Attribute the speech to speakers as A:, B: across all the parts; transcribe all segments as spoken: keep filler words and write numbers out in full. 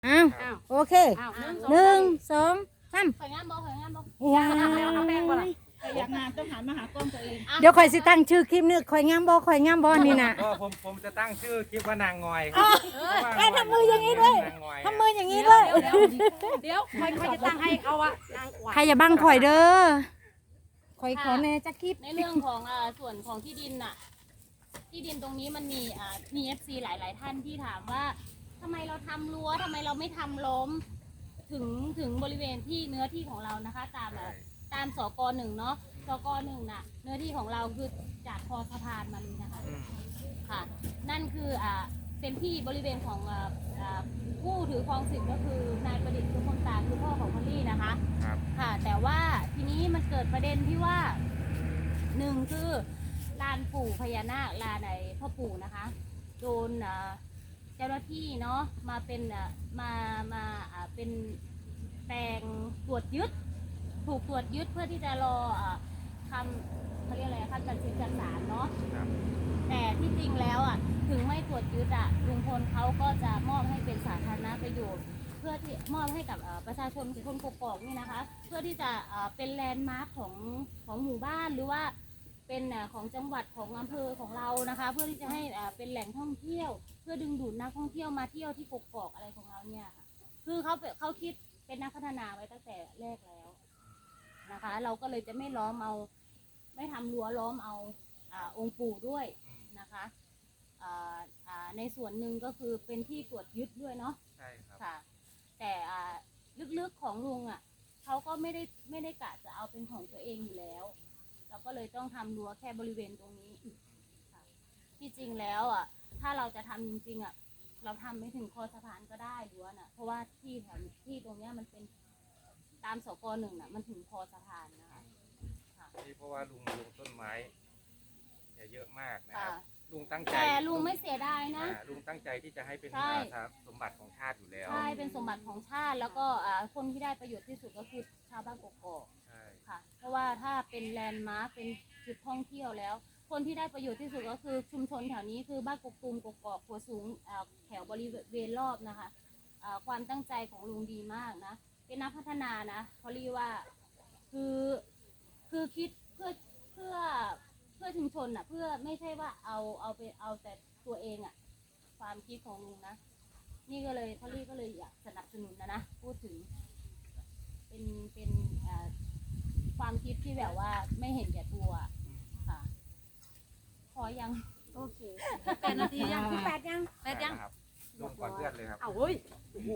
A: อ้าวโอเคหนึ่งสองสาม
B: ข่อยงามบ่ข่อยงามบ่
A: ว้า
B: เอาแป้งบ่ล่ะ
C: อยากงานต้องหันมาหากล้องตัวเอง
A: เดี๋ยวข่อยสิตั้งชื่อคลิปนี้ข่อยงามบ่ข่อยงามบ่นี่น่ะ
D: ก็ผมผมจะตั้งชื่อคลิปว่านางงอย
A: แล้วทำมืออย่างนี้ด้วยทำมืออย่างนี้ด้วย
B: เดี๋ยวข่อยข่อยจะตั้งให้เขาอะนางกวัก
A: ใครอย่าบังข่อยเด้อข่อยขอแน่จักคลิป
B: ในเรื่องของอ่าส่วนของที่ดินน่ะที่ดินตรงนี้มันมีอ่ามี เอฟ ซี หลาย ๆ ท่านที่ถามว่าทำไมเราทำรั้วทำไมเราไม่ทำล้มถึงถึงบริเวณที่เนื้อที่ของเรานะคะ ตามอ่ะตามสกหนึ่งเนาะสกหนึ่งน่ะเนื้อที่ของเราคือจากคอสะพานมาเลยนะคะค่ะ นั่นคืออ่าเป็นที่บริเวณของอ่าอ่าผู้ถือครองสิทธิ์ก็คือนายประดิษฐ์คือคนตาคือพ่อของพอลลี่นะคะ
D: ครับ
B: ค่ะ แต่ว่าทีนี้มันเกิดประเด็นที่ว่าหนึ่งคือลานปู่พญานาคลานไอ้พ่อปู่นะคะโดนอ่าเจ้าหน้าที่เนาะมาเป็นอ่ามามาอ่าเป็นแปลงตรวจยึด ถูกตรวจยึดเพื่อที่จะรออ่าคำเขาเรียกอะไรคำตัดสินจากศาลเนาะ
D: ครับ
B: แต่ที่จริงแล้วอ่ะถึงไม่ตรวจยึดอ่ะลุงพลเขาก็จะมอบให้เป็นสาธารณประโยชน์ เพื่อที่มอบให้กับเอ่อประชาชนคนกกอกนี่นะคะ เพื่อที่จะเอ่อเป็นแลนด์มาร์คของของหมู่บ้านหรือว่าเป็นเอ่อของจังหวัดของอำเภอของเรานะคะ เพื่อที่จะให้เอ่อเป็นแหล่งท่องเที่ยว เพื่อดึงดูดนักท่องเที่ยวมาเที่ยวที่กกอกอะไรของเราเนี่ยค่ะคือเขาเป็นเขาคิดเป็นนักพัฒนาไว้ตั้งแต่แรกแล้วนะคะ เราก็เลยจะไม่ล้อมเอาไม่ทำรั้วล้อมเอาอ่าองค์ปู่ด้วยนะคะอ่าอ่าในส่วนหนึ่งก็คือเป็นที่ตรวจยึดด้วยเนาะ
D: ใช่ครับ
B: ค่ะแต่อ่าลึกๆของลุงอ่ะเขาก็ไม่ได้ไม่ได้กะจะเอาเป็นของตัวเองอยู่แล้ว เราก็เลยต้องทำรั้วแค่บริเวณตรงนี้ค่ะที่จริงแล้วอ่ะถ้าเราจะทำจริงๆอ่ะเราทำไม่ถึงคอสะพานก็ได้รั้วน่ะเพราะว่าที่แถวที่ตรงเนี้ยมันเป็นตามสกหนึ่งน่ะมันถึงคอสะพานนะคะค่ะ
D: นี่เพราะว่าลุงลุงต้นไม้อย่าเยอะมากนะค
B: ค่ะ
D: รับลุงตั้งใจ
B: แต่ลุงไม่เสียดายนะ
D: อ่าลุงตั้งใจที่จะให้เป็น
B: ใช่
D: อ่าสมบัติของชาติอยู่แล้ว
B: ใช่เป็นสมบัติของชาติแล้วก็อ่าคนที่ได้ประโยชน์ที่สุดก็คือชาวบ้านกกอก
D: ใช่
B: ค่ะเพราะว่าถ้าเป็นแลนด์มาร์คเป็นจุดท่องเที่ยวแล้ว คนที่ได้ประโยชน์ที่สุดก็คือชุมชนแถวนี้คือบ้านกกตูมกกอกหัวสูงอ่าแถวบริเวณรอบนะคะอ่าความตั้งใจของลุงดีมากนะเป็นนักพัฒนานะเขาเรียกว่าคือคือคิดเพื่อเพื่อเพื่อชุมชนอ่ะเพื่อไม่ใช่ว่าเอาเอาไปเอาแต่ตัวเองอ่ะความคิดของลุงนะนี่ก็เลยเขาเรียกก็เลยอยากสนับสนุนนะนะพูดถึงเป็นเป็นอ่า ความคิดที่แบบว่าไม่เห็นแก่ตัวค่ะ พอยัง โอเคแปดนาทียังแปดยังแปดยัง
D: ครับลุงก่อนเพื่อนเลยครับ
B: อ้าวเฮ้ยโอ้โห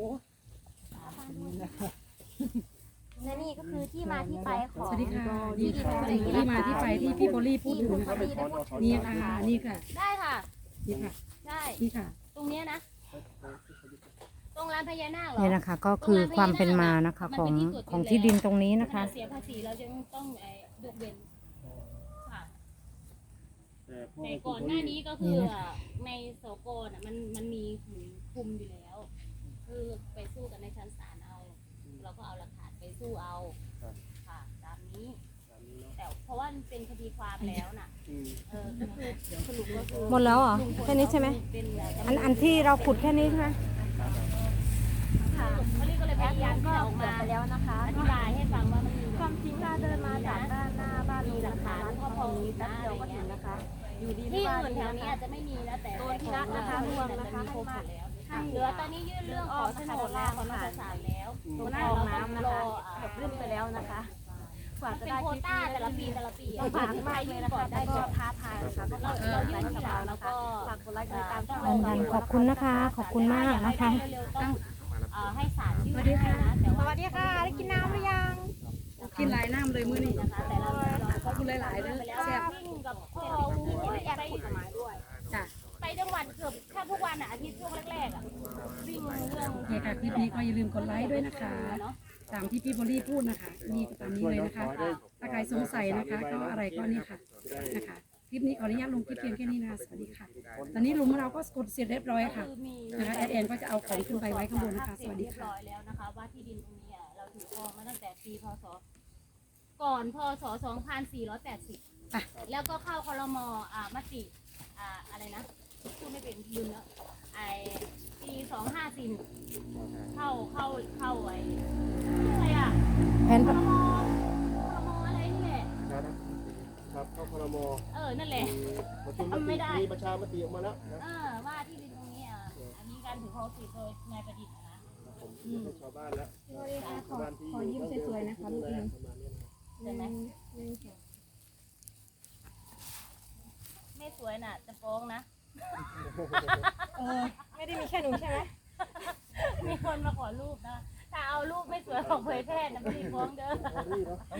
E: และนี่ก็คือที่มาที่ไปของ
C: สวัสดีค่ะ
E: ที่
C: นี่
E: ดิน
C: ค่ะที่มาที่ไปที่พี่โบลี่พูดถึง
E: คุณ
C: นะ
E: พ
C: คะ
E: อดีได้พูดถึง
C: นี่ค่ะนี่ค่ะ
B: ได้ค่ะ
C: นี่ค่ะ
B: ได้
C: นี่ค่ะ
B: ตรงเนี้ยนะ ตรงร้านพญานาคเหรอ
A: นี่นะคะก็คือความเป็นมานะคะของของที่ดินตรงนี้นะคะ
B: ขณเสียภาษีเราจะต้องไอ้ยกเว้นค่ะแต่ก่อนหน้านี้ก็คือในสกน่ะมันมันมีหืนคุมอยู่แล้ว คือไปสู้กันในชั้นศาลเอา เราก็เอาหลักฐานไปสู้เอาค่ะตามนี้ แต่เพราะว่ามันเป็นคดีความแล้วน่ะเออก็คือสรุปก็คือ
A: หมดแล้วเหรอ
B: ลุงพล
A: แค่นี้ใช่ไหม
B: เป็น
A: อันอันที่เราขุดแค่นี้ใช่ไหม
B: ค่ะเขาเรียกก็เลยพ
E: แอด
B: ยายาม
E: ก็
B: ที่จะออก
E: เกิด
B: มา
E: ไปแล้วนะคะ
B: อธิบายให้ฟังว่ามันมี
E: ความจริงถ้าเดินมาจากด้านหน้าบ้านลุงนะคะร้านทองตรงนี้แป๊บเดียวก็ถึงนะคะ อยู่ดี
B: ที่
E: ไม่ว่า
B: อื่น
E: ดี
B: แถว
E: นะ
B: นี้
E: คะ
B: อาจจะไม่มีนะแต่
E: โดนที่รัฐนะคะรวมนะคะ
B: มีครบหมดแล้ว
E: ให้
B: เหลือตอนนี้ยื่นเรื่องขอโฉนดแล้วขอมาตรฐานแล้ว
E: ตรงคลองน้ำนะคะเกือบลื่นไปแล้วนะคะกว่า
B: มัน
E: จะ
B: เป็น
E: ได้
B: โคว
E: คลิป
B: ต้า
E: นี้
B: แต่ละปีแต่ละปี
E: ลำบากมากเลยนะคะแต่ก็ท้าทายนะคะก็
B: เรา
E: ฝาก
B: เรา
E: กดไล
B: ยื่น
E: ค์
B: ที
E: กด
B: หลัง
E: แชร์
B: แล้ว
E: นะคะ
B: ก็
E: ฝากกดไลค์กดติดตามช่อง
A: เหมือนกันขอบคุณนะคะ ขอบคุณมากนะคะ
B: เร็วๆต้องเอ่อให้ศาลยื่นให้นะแต่
E: ส
B: ว่า
E: วัสดีค่ะได้กินน้ำหรือยัง
C: กินหลายน้ำเลยมื้อนี้
B: นะคะแต่เราเรา
C: ขอบคุณหลายๆเด้อแซ่บ
B: วิ่งกับพ่อวิ่งไปแอบกฎหมายด้วย
C: จ้ะ
B: ไปจังหวัดเกือบแทบทุกวันอ่ะอาทิตย์ช่วงแรกๆอ่ะวิ่งเรื่อง
C: นี่ค่ะคลิปนี้ก็อย่าลืมกดไลค์ด้วยนะคะตามที่พี่โบลี่พูดนะคะนี่ก็ตามนี้เลยนะคะ ถ้าใครสงสัยนะคะก็อะไรก็นี่ค่ะนะคะคลิปนี้ขออนุญาตลงคลิปเพียงแค่นี้นะคะสวัสดีค่ะ ตอนนี้ลุงของเราก็กดเสร็จเรียบร้อยค่ะ
B: คือมี
C: นะคะแอดแอนก็จะเอาของขึ้นไปไว้ข้างบนนะคะ สวัสดี
B: เรียบ
C: ค่ะ
B: ร้อยแล้วนะคะว่าที่ดินตรงนี้อ่ะเราถือครองมาตั้งแต่ปีพศก่อนพศสองพันสี่ร้อยแปดสิบ
C: อ่ะ
B: แล้วก็เข้าครมอ่ามติอ่าอะไรนะพูดไม่เป็นลืมแล้วไอปีสองห้าสี่เข้าเข้าเข้าไอ้ชื่ออะไรอ่ะ
A: แผน
B: พรมพรมอะไรนี่แหละ
F: ครับเข้าครม
B: เออนั่นแหละ
F: ประชุม
B: ทำไม่ได้
F: มีประชามติออกมาแล้วนะ
B: เออว่าที่ดินตรงนี้อ่ะอันนี้การถือครองสิทธิ์โดยนายประดิษฐ์นะ
F: ผมให้ชาวบ้านแล้ว
E: ขอขอยิ้มสวยๆนะคะลูกนึง
B: ใช่ไหมไม่สวยน่ะจะฟ้องนะ
E: เออไม่ได้มีแค่หนูใช่ไหม
B: มีคนมาขอรูปนะถ้าเอารูปไม่สวยของเผยแพร่นะไม่ได้ฟ้องเด้อ